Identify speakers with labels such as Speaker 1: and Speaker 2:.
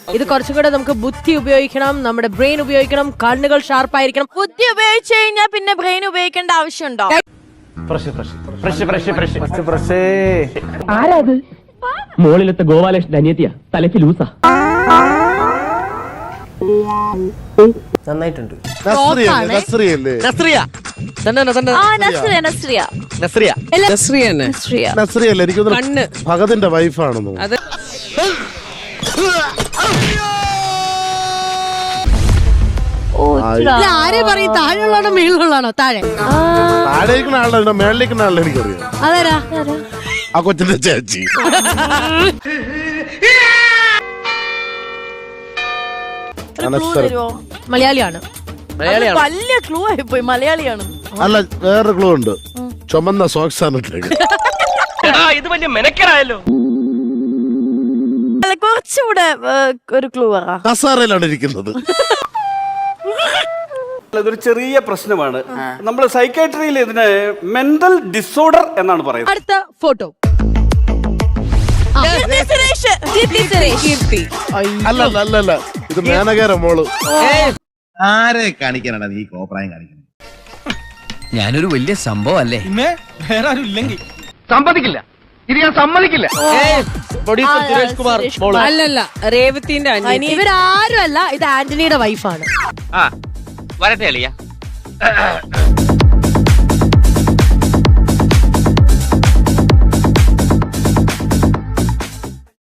Speaker 1: ഇത് കുറച്ചും കൂടെ നമുക്ക് ബുദ്ധി ഉപയോഗിക്കണം, നമ്മുടെ ബ്രെയിൻ ഉപയോഗിക്കണം, കണ്ണുകൾ ഷാർപ്പായിരിക്കണം.
Speaker 2: ബുദ്ധി ഉപയോഗിച്ചു കഴിഞ്ഞാൽ പിന്നെ ബ്രെയിൻ ഉപയോഗിക്കേണ്ട ആവശ്യമുണ്ടോ?
Speaker 3: ആരാത്? മോളിലത്തെ ഗോപാലകൃഷ്ണൻ അനിയത്തിയാ, തലയ്ക്ക് ലൂസാ.
Speaker 4: നന്നായിട്ടുണ്ട്.
Speaker 5: ഭഗതിന്റെ വൈഫാണെന്നോ?
Speaker 1: ആരെ പറയും? താഴെയുള്ളതാണോ മേളിലുള്ളതാണോ? താഴെ
Speaker 5: താഴേക്കുന്ന ആളുടെ മേളിലേക്കുന്ന ആളുടെ എനിക്കറിയാം.
Speaker 1: അതാരാ?
Speaker 5: ആ കൊച്ചിന്റെ ചേച്ചി.
Speaker 1: മലയാളിയാണ്.
Speaker 2: വലിയ ക്ലൂ ആയിപ്പോയി. മലയാളിയാണ്.
Speaker 5: അല്ല, വേറെ ക്ലൂ ഉണ്ട്. ചുമന്ന സോക്സ് ആണ് ഇട്ടേക്കുന്നത്.
Speaker 3: ഇത് വലിയ മെനക്കെടായല്ലോ.
Speaker 2: അല്ല, കുറച്ചുകൂടെ ഒരു ക്ലൂ പറ.
Speaker 5: കസാറയിലാണ് ഇരിക്കുന്നത്.
Speaker 6: ഇതൊരു ചെറിയ പ്രശ്നമാണ്. നമ്മൾ സൈക്കാട്രിയിൽ ഇതിന് മെന്റൽ ഡിസോർഡർ എന്നാണ് പറയുന്നത്.
Speaker 1: അടുത്ത ഫോട്ടോ.
Speaker 5: അല്ല, ഇത് മേനകേര മോള്.
Speaker 7: ആരെ കാണിക്കാനാണ് നീ കോപ്രായം കാണിക്കുന്നത്?
Speaker 4: ഞാനൊരു വലിയ സംഭവം അല്ലേ?
Speaker 3: വേറെ ആരും ഇല്ലെങ്കിൽ സമ്മതിക്കില്ല. ഇത് ഞാൻ സമ്മതിക്കില്ല.
Speaker 4: സുരേഷ് കുമാർ.
Speaker 1: അല്ലല്ല,
Speaker 2: രേവതിന്റെ
Speaker 1: ഇവരാരും അല്ല. ഇത് ആന്റണിയുടെ വൈഫാണ്.
Speaker 3: വരട്ടെ അളിയ.